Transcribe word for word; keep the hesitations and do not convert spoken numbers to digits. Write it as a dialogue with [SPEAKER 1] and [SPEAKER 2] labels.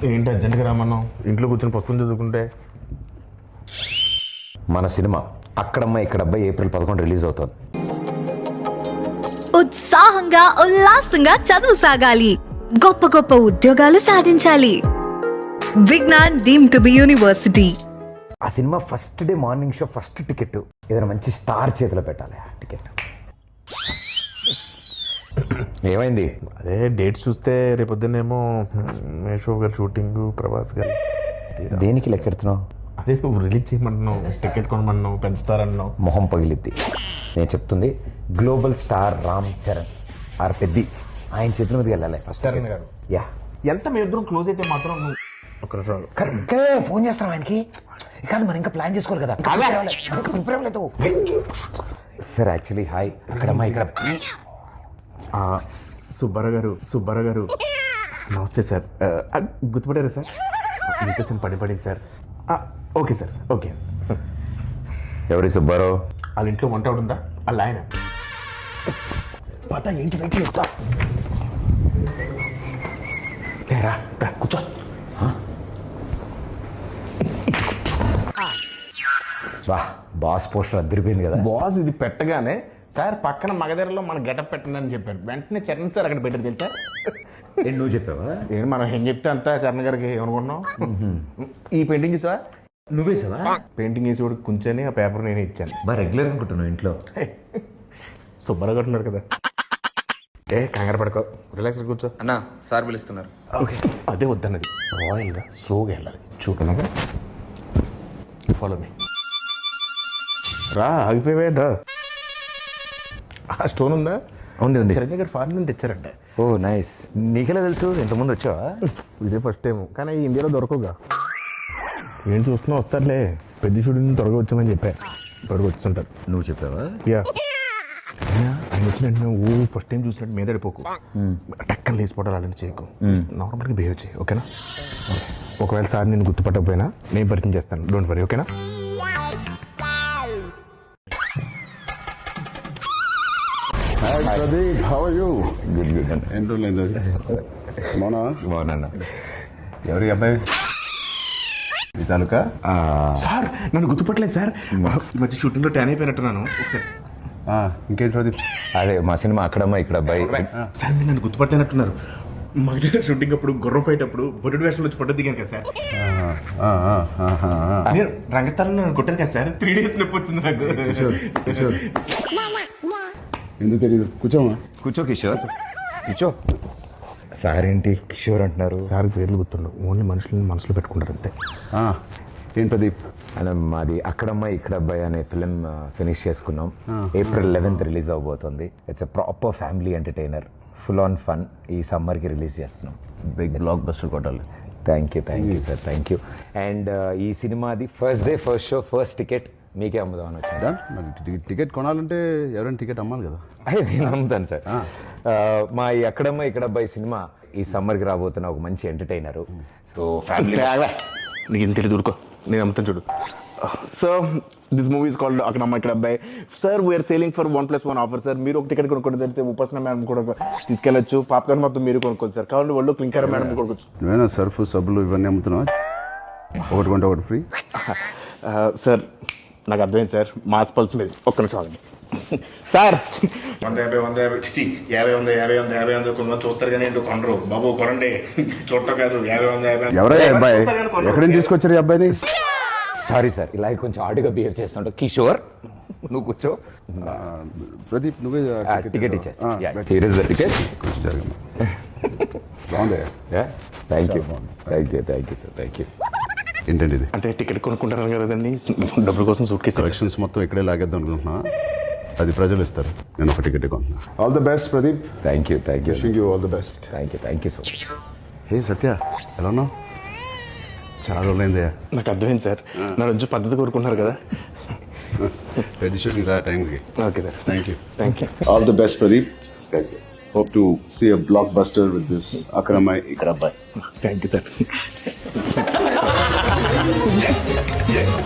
[SPEAKER 1] ఏంటి అర్జెంట్గా రామన్నాం? ఇంట్లో కూర్చొని పుస్తకం చదువుకుంటే.
[SPEAKER 2] మన సినిమా అక్కడమ్మ ఇక్కడ అబ్బాయి ఏప్రిల్ పదకొండు రిలీజ్ అవుతుంది.
[SPEAKER 3] ఉత్సాహంగా ఉల్లాసంగా చదువు సాగాలి, గొప్ప గొప్ప ఉద్యోగాలు సాధించాలి. Vignan deemed to be university.
[SPEAKER 2] ఆ cinema first day morning show first ticket ఏదైనా మంచి స్టార్ చేతిలో పెట్టాలి. ఆ టికెట్ ఏమైంది?
[SPEAKER 1] అదే డేట్ చూస్తే రేపొద్దునేమో మేషో గారు షూటింగ్, ప్రభాస్ గారు.
[SPEAKER 2] దేనికి లెక్కెడుతున్నావు?
[SPEAKER 1] అదే నువ్వు రిలీజ్ చేయమంటున్నావు, టికెట్ కొనమన్నావు, పెంచుతారన్నావు.
[SPEAKER 2] మొహం పగిలిద్ది. నేను చెప్తుంది global star Ram Charan R Peddi ఆయన చేతుల మీదకి వెళ్ళాలి ఫస్ట్.
[SPEAKER 1] చరణ్ గారు
[SPEAKER 2] యా
[SPEAKER 1] ఎంత మీ ఇద్దరం క్లోజ్ అయితే మాత్రం నువ్వు ఒక
[SPEAKER 2] ఇంకా ఫోన్ చేస్తాం ఆయనకి. కాదు మనం ఇంకా ప్లాన్ చేసుకోవాలి కదా. సార్ యాక్చువల్లీ హాయ్ అక్కడమ్మా ఇక్కడ
[SPEAKER 1] సుబ్బారావు గారు సుబ్బారావు గారు నమస్తే సార్. గుర్తుపడారా సార్? మీతో చిన్న పని పడింది సార్. Okay sir okay.
[SPEAKER 2] ఎవరి సుబ్బారావు?
[SPEAKER 1] వాళ్ళ ఇంట్లో వంట ఉందా? వాళ్ళ ఆయన పత ఏంటి వెయిట్ చేస్తా రా కూర్చో.
[SPEAKER 2] వా బాస్ పోస్టర్ అద్దరిపోయింది కదా.
[SPEAKER 1] బాస్ ఇది పెట్టగానే సార్ పక్కన మగధరలో మన గెటప్ పెట్టండి అని చెప్పారు. వెంటనే చరణ్ సార్ అక్కడ పెట్టారు తెలుసా?
[SPEAKER 2] ఏంటి నువ్వు చెప్పావా?
[SPEAKER 1] ఏంటి మనం ఏం చెప్తే అంతా చరణ్ గారికి ఏమనుకుంటున్నాం. ఈ పెయింటింగ్ చూసా?
[SPEAKER 2] నువ్వే సార్
[SPEAKER 1] పెయింటింగ్ వేసి కూడా కూర్చొని ఆ పేపర్ నేనే ఇచ్చాను.
[SPEAKER 2] బాగా రెగ్యులర్ అనుకుంటున్నావు ఇంట్లో.
[SPEAKER 1] సుబ్బారావు గారు ఉన్నారు కదా. ఏ కంగారు పడుకో, రిలాక్స్ కూర్చో.
[SPEAKER 4] అన్నా సార్ పిలుస్తున్నారు.
[SPEAKER 1] ఓకే అదే వద్దన్నది. రాయల్గా స్లోగా వెళ్ళాలి. చూడలాగా ఫాలో మీ. రా ఆగిపోయేదా? ఆ స్టోన్ ఉందా?
[SPEAKER 2] ఉంది ఉంది.
[SPEAKER 1] చరణ్ గారు ఫారెన్ నుంచి తెచ్చారంట.
[SPEAKER 2] ఓ నైస్. నీకెలా తెలుసు? ఇంతకుముందు వచ్చావా?
[SPEAKER 1] ఇదే ఫస్ట్ టైం, కానీ ఇండియాలో దొరకవుగా. ఏం చూస్తున్నా వస్తారులే. పెద్ద షూటింగ్ త్వరగా వచ్చామని చెప్పా. త్వరగా వచ్చుంటారు.
[SPEAKER 2] నువ్వు చెప్పావా?
[SPEAKER 1] యా ఆయన వచ్చినట్టు ఓ ఫస్ట్ టైం చూసినట్టు మీద పడిపోకు. టక్కన లేచిపోవడాలు అలాంటి చేయకు. నార్మల్గా బిహేవ్ చేయి ఓకేనా? ఒకవేళ సార్ నేను గుర్తుపట్టకపోయినా నేను పరిచయం చేస్తాను. డోంట్ వరీ ఓకేనా?
[SPEAKER 5] Pradeep, how are you?
[SPEAKER 2] Good good అన్న.
[SPEAKER 5] ఎన్ని రోజులు అయింది? మౌనా
[SPEAKER 2] బాగున్నా.
[SPEAKER 5] ఎవరి అబ్బాయి? మీ తాలూకా?
[SPEAKER 1] సార్ నన్ను గుర్తుపట్టలేదు సార్. ఈ మధ్య షూటింగ్లో ట్యాన్ అయిపోయినట్టున్నాను. ఒకసారి
[SPEAKER 5] ఇంకేంటి ప్రదీప్?
[SPEAKER 2] అదే మా సినిమా అక్కడమ్మా ఇక్కడ అబ్బాయి.
[SPEAKER 1] సార్ మీరు నన్ను గుర్తుపట్టినట్టున్నారు. మగ షూటింగ్ అప్పుడు గుర్రం ఫైట్ అప్పుడు బొడ్డు వేషంలో వచ్చి ఫోటో దిగాను కదా సార్. నేను రంగస్థలంలో నన్ను కొట్టాను కదా సార్. త్రీ డేస్ నొప్పి వచ్చింది నాకు.
[SPEAKER 5] ఎందుకు తెలియదు? కూర్చోమా.
[SPEAKER 2] కూర్చో కిషోర్ కూర్చో. సార్ ఏంటి కిషోర్ అంటున్నారు?
[SPEAKER 1] సార్ పేర్లు గుర్తుండవు, ఓన్లీ మనుషులని మనసులో పెట్టుకుంటారు అంతే.
[SPEAKER 5] ఏం ప్రదీప్?
[SPEAKER 2] అలా మాది అక్కడమ్మ ఇక్కడ అబ్బాయి అనే ఫిలిం ఫినిష్ చేసుకున్నాం. ఏప్రిల్ లెవెన్త్ రిలీజ్ అవబోతుంది. It's a proper family entertainer, full on fun. ఈ సమ్మర్కి రిలీజ్ చేస్తున్నాం.
[SPEAKER 5] బిగ్ బ్లాక్ బస్టర్ కొట్టాలి.
[SPEAKER 2] Thank you thank you sir thank you. And ఈ సినిమాది first day first show first ticket మీకే అమ్ముదామని వచ్చింది.
[SPEAKER 5] మరి టికెట్ కొనాలంటే ఎవరైనా టికెట్ అమ్మాలి కదా.
[SPEAKER 2] అయ్యే నేను అమ్ముతాను సార్. మా ఈ అక్కడమ్మ ఇక్కడ అబ్బాయి సినిమా ఈ సమ్మర్కి రాబోతున్న ఒక మంచి ఎంటర్టైనరు. సో ఫ్యామిలీ
[SPEAKER 1] నీకు ఇంత తెలియదు ఊరుకో, నేను అమ్ముతాను చూడు. So this movie is called అక్కడమ్మ ఇక్కడ అబ్బాయి. Sir we're selling for one plus one offer sir. మీరు ఒక టికెట్ కొనుక్కోండి, తెలిస్తే ఉపాసన మేడం కూడా తీసుకెళ్ళచ్చు. పాప్కార్న్ మొత్తం మీరు కొనుక్కోండి సార్. కావాలి వాళ్ళు క్లింకర్ మేడం కొనుక్కోవచ్చు.
[SPEAKER 5] నువ్వేనా సర్ఫ్ సబ్బులు ఇవన్నీ అమ్ముతున్నావా? ఒకటి కొంటే ఒకటి ఫ్రీ.
[SPEAKER 1] సార్ నాకు అర్థమైంది సార్. మాస్ పల్స్ మీద ఒక్క నిమిషం ఆగండి సార్. వంద యాభై వంద యాభై యాభై వంద యాభై వంద యాభై వంద కొంతమంది చూస్తారు కానీ ఏంటో కొనరు. బాబు కొనండి, చూడటం కాదు. యాభై వంద యాభై
[SPEAKER 5] ఎవరయ్యా అబ్బాయి? ఎక్కడి నుంచి తీసుకొచ్చారు ఈ అబ్బాయిని?
[SPEAKER 2] సారీ సార్, ఇలా కొంచెం ఆడుగా బిహేవ్ చేస్తుంటావు. కిషోర్ నువ్వు కూర్చో.
[SPEAKER 5] ప్రదీప్ నువ్వే
[SPEAKER 2] టికెట్ ఇచ్చేస్తా. Here is the ticket.
[SPEAKER 5] బాగుంది.
[SPEAKER 2] Thank you thank you thank you sir thank you.
[SPEAKER 5] ఏంటండి ఇది?
[SPEAKER 1] అంటే టికెట్ కొనుక్కుంటారు కదండి, డబ్బుల కోసం సూట్ కేసు
[SPEAKER 5] కలెక్షన్స్ మొత్తం ఇక్కడే లాగేద్దాం అనుకుంటున్నా. అది ప్రజలు ఇస్తారు, నేను ఒక టికెట్ కొంటున్నా. All the best Pradeep.
[SPEAKER 2] Thank you thank you
[SPEAKER 5] wishing you all the best.
[SPEAKER 2] Thank you thank you so much.
[SPEAKER 5] Hey Satya, ఎలా ఉన్నావు? చాలా రోజులైందయ్యా.
[SPEAKER 1] నాకు అర్థమైంది సార్. నా రోజు పద్ధతి కోరుకుంటున్నారు కదా.
[SPEAKER 5] పెద్ద షూటింగ్ రా టైంకి.
[SPEAKER 1] Okay sir.
[SPEAKER 5] Thank you
[SPEAKER 1] thank you.
[SPEAKER 5] All the best Pradeep. Thank you. Hope to see a blockbuster with this Akramai Ikrabbai.
[SPEAKER 1] Thank you, sir.